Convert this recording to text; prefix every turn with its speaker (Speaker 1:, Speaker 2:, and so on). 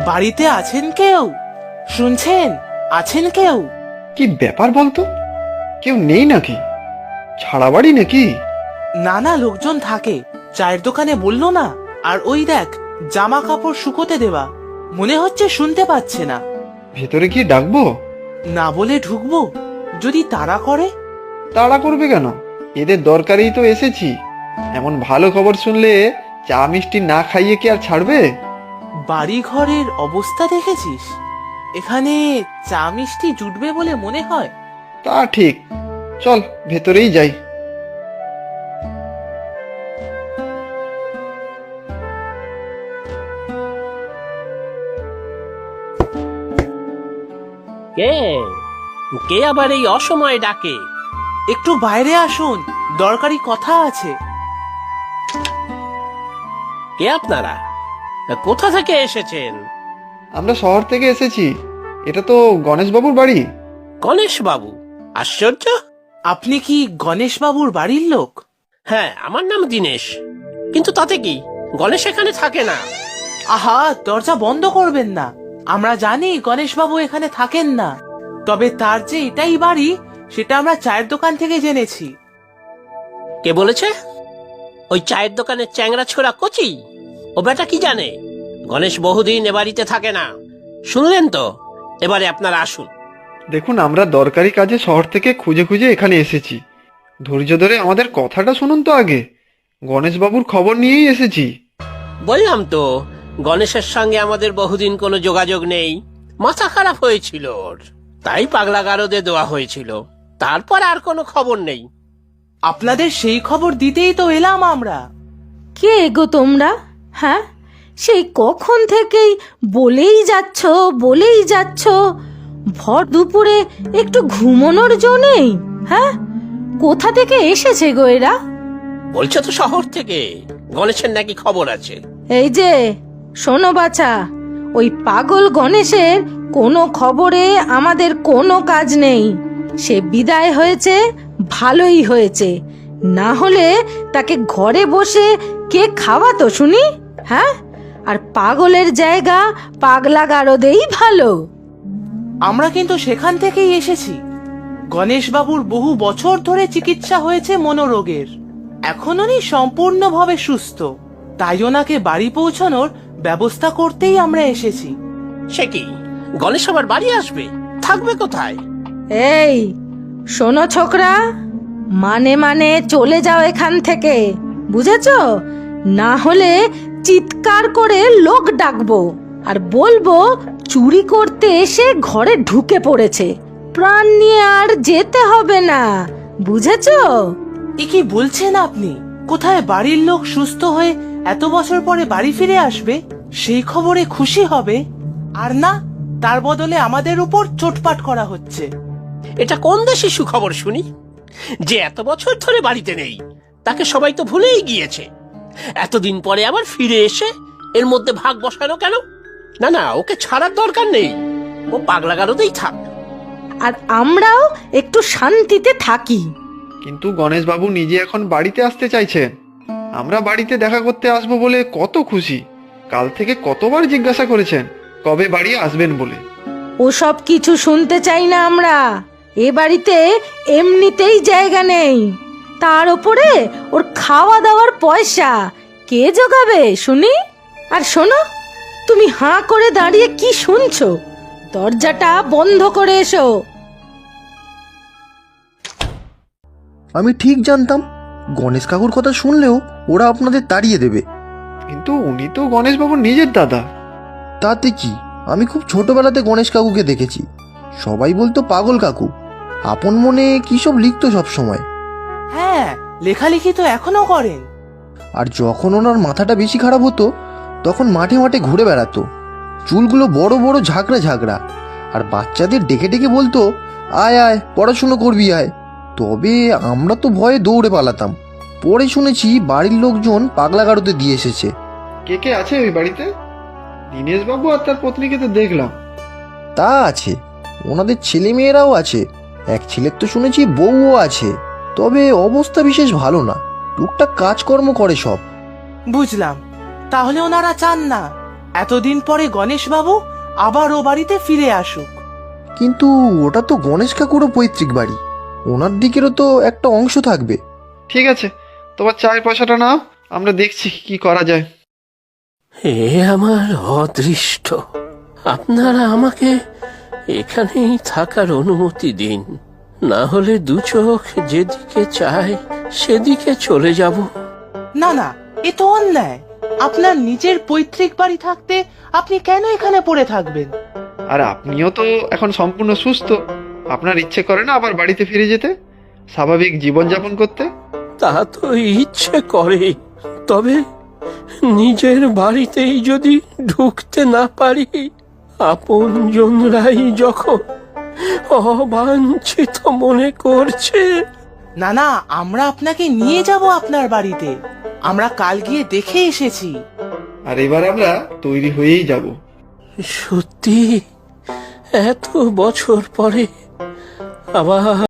Speaker 1: বাড়িতে আছেন কেউ? শুনছেন? আছেন কেউ?
Speaker 2: কি ব্যাপার বলতো? কেউ নেই নাকি? ছাড়া বাড়ি নাকি?
Speaker 1: না না, লোকজন থাকে, চায়ের দোকানে বললো না। আর ওই দেখ, জামা কাপড় শুকোতে দেওয়া। মনে হচ্ছে শুনতে পাচ্ছে না।
Speaker 2: ভেতরে কি ডাকবো?
Speaker 1: না বলে ঢুকবো? যদি তাড়া করে?
Speaker 2: তাড়া করবে কেন? এদের দরকারেই তো এসেছি। এমন ভালো খবর শুনলে চা মিষ্টি না খাইয়ে কি আর ছাড়বে?
Speaker 1: বাড়ি ঘরের অবস্থা দেখেছিস? এখানে চা মিষ্টি জুটবে বলে মনে হয়?
Speaker 2: তা ঠিক, চল ভেতরেই যাই।
Speaker 3: কে কে আবার এই অসময়ে ডাকে?
Speaker 1: একটু বাইরে আসুন, দরকারি কথা আছে।
Speaker 3: কে আপনারা? কোথা থেকে এসেছেন?
Speaker 2: আমরা শহর থেকে এসেছি। এটা তো গণেশবাবুর বাড়ি।
Speaker 3: গণেশ বাবু? আশ্চর্য।
Speaker 1: আপনি কি গণেশ বাবুর বাড়ির লোক?
Speaker 3: হ্যাঁ, আমার নাম দীনেশ। কিন্তু তাতে কি, গণেশ এখানে থাকে না।
Speaker 1: আহা, দরজা বন্ধ করবেন না। আমরা জানি গণেশ বাবু এখানে থাকেন না, তবে তার যে এটাই বাড়ি সেটা আমরা চায়ের দোকান থেকে জেনেছি।
Speaker 3: কে বলেছে? ওই চায়ের দোকানের চ্যাংরা ছোড়া কচি? ও বেটা কি জানে গণেশ বহুদিন এ বাড়িতে থাকে না? শুনলেন তো? এবারে আপনারা আসুন।
Speaker 2: দেখুন, আমরা দরকারি কাজে শহর থেকে খুঁজে খুঁজে এখানে এসেছি। ধৈর্য ধরে আমাদের কথাটা শুনুন তো আগে। গণেশবাবুর খবর নিয়েই এসেছি।
Speaker 3: বললাম তো, গণেশের সঙ্গে আমাদের বহুদিন কোনো যোগাযোগ নেই। মাথা খারাপ হয়েছিল ওর, তাই পাগলা গারদে দেওয়া হয়েছিল। তারপর আর কোনো খবর নেই।
Speaker 1: আপনাদের সেই খবর দিতেই তো এলাম আমরা।
Speaker 4: কে গো তোমরা? হ্যাঁ, সেই কখন থেকেই বলেই যাচ্ছ ভর দুপুরে একটু ঘুমানোর জো নেই? হ্যাঁ, কোথা থেকে এসেছে গো এরা?
Speaker 3: বলছে তো শহর থেকে গণেশের নাকি খবর আছে।
Speaker 4: এই যে শোনো বাছা, ওই পাগল গণেশের কোনো খবরে আমাদের কোনো কাজ নেই। সে বিদায় হয়েছে, ভালোই হয়েছে। না হলে তাকে ঘরে বসে কে খাওয়াতো শুনি? হ্যাঁ, আর পাগলের জায়গা পাগলা গারদেই ভালো।
Speaker 1: আমরা কিন্তু সেখান থেকেই এসেছি। গণেশ বাবুর বহু বছর ধরে চিকিৎসা হয়েছে মনোরোগের। এখন উনি সম্পূর্ণভাবে সুস্থ, তাই ওনাকে বাড়ি পৌঁছানোর ব্যবস্থা করতেই আমরা এসেছি।
Speaker 3: সে কি, গণেশ আবার বাড়ি আসবে? থাকবে কোথায়?
Speaker 4: এই শোনো ছোকরা, মানে চলে যাও এখান থেকে, বুঝেছো? না হলে চিৎকার করে লোক ডাকবো আর বলবো চুরি করতে এসে ঘরে ঢুকে পড়েছে। প্রাণ নিয়ে আর যেতে হবে না, বুঝেছো?
Speaker 1: এ কি বলছেন আপনি? কোথায় বাড়ির লোক সুস্থ হয়ে এত বছর পরে বাড়ি ফিরে আসবে, সেই খবরে খুশি হবে? আর না, তার বদলে আমাদের উপর চোটপাট করা হচ্ছে।
Speaker 3: এটা কোন দেশে সুখবর শুনি? যে এত বছর ধরে বাড়িতে নেই, তাকে সবাই তো ভুলেই গিয়েছে। এতদিন পরে আবার ফিরে এসে এর মধ্যে ভাগ বসানো কেন? না না, ওকে ছাড়ার দরকার নেই। ও পাগলা গারদেই থাক।
Speaker 4: আর আমরাও একটু শান্তিতে থাকি।
Speaker 2: কিন্তু গণেশবাবু নিজে এখন বাড়িতে আসতে চাইছেন। আমরা বাড়িতে দেখা করতে আসবো বলে কত খুশি। কাল থেকে কতবার জিজ্ঞাসা করেছেন কবে বাড়ি আসবেন বলে।
Speaker 4: ওসব কিছু শুনতে চাই না আমরা। এ বাড়িতে এমনিতেই জায়গা নেই, তার উপরে ওর খাওয়া দাওয়ার পয়সা কে জোগাবে শুনি? আর শোনো, তুমি হাঁ করে দাঁড়িয়ে কি শুনছো? দরজাটা বন্ধ করে এসো।
Speaker 5: আমি ঠিক জানতাম গণেশ কাকুর কথা শুনলেও ওরা আপনাদের তাড়িয়ে দেবে।
Speaker 2: কিন্তু উনি তো গণেশবাবুর নিজের দাদা।
Speaker 5: তাতে কি, আমি খুব ছোটবেলাতে গণেশ কাকুকে দেখেছি। সবাই বলতো পাগল কাকু। আপন মনে কি সব লিখতো সব সময়।
Speaker 1: হ্যাঁ, লেখালেখি তো এখনো করেন।
Speaker 5: আর যখন ওনার মাথাটা বেশি খারাপ হতো তখন মাঠে মাঠে ঘুরে বেড়াতো। চুলগুলো বড় বড় ঝাঁকড়া ঝাঁকড়া। আর বাচ্চাদের ডেকে ডেকে বলতো, আয় আয় পড়াশুনো করবি আয়। তবে আমরা তো ভয়ে দৌড়ে পালাতাম। পরে শুনেছি বাড়ির লোকজন পাগলা গারদে দিয়ে এসেছে।
Speaker 2: কে কে আছে ওই বাড়িতে? দীনেশবাবু আর তার পত্নীকে তো দেখলাম।
Speaker 5: তা আছে, ওনাদের ছেলে মেয়েরাও আছে। এক ছেলের তো শুনেছি বউও আছে। তবে অবস্থা বিশেষ ভালো না, টুকটাক কাজকর্ম করে সব।
Speaker 1: বুঝলাম, তাহলে ওনারা চান না এতদিন পরে গণেশবাবু আবার ও বাড়িতে ফিরে আসুক।
Speaker 5: কিন্তু ওটা তো গণেশ কাকুরও পৈতৃক বাড়ি, ওনার দিকেরও তো একটা অংশ থাকবে।
Speaker 2: ঠিক আছে, তোমার চায়ের পয়সাটা নাও, আমরা দেখছি কি করা যায়।
Speaker 3: এ আমার অদৃষ্ট। আপনারা আমাকে এখানেই থাকার অনুমতি দিন, না হলে দু চোখ যেদিকে চায় সেদিকে চলে যাব।
Speaker 1: না না, এ তো অন্যায়। আপনার নিজের পৈতৃক বাড়ি থাকতে আপনি কেন এখানে পড়ে থাকবেন?
Speaker 2: আর আপনিও তো এখন সম্পূর্ণ সুস্থ, আপনার ইচ্ছে করে না আবার বাড়িতে ফিরে যেতে, স্বাভাবিক জীবনযাপন করতে?
Speaker 3: তা তো ইচ্ছে করে, তবে নিজের বাড়িতেই যদি ঢুকতে না পারি, আপনজনরাই যখন অবাঞ্ছিত মনে করছে।
Speaker 1: না না, আমরা আপনাকে নিয়ে যাব আপনার বাড়িতে। আমরা কাল গিয়ে দেখে এসেছি।
Speaker 2: আর এবার আমরা তৈরি হয়েই যাব।
Speaker 3: সত্যি এত বছর পরে আবার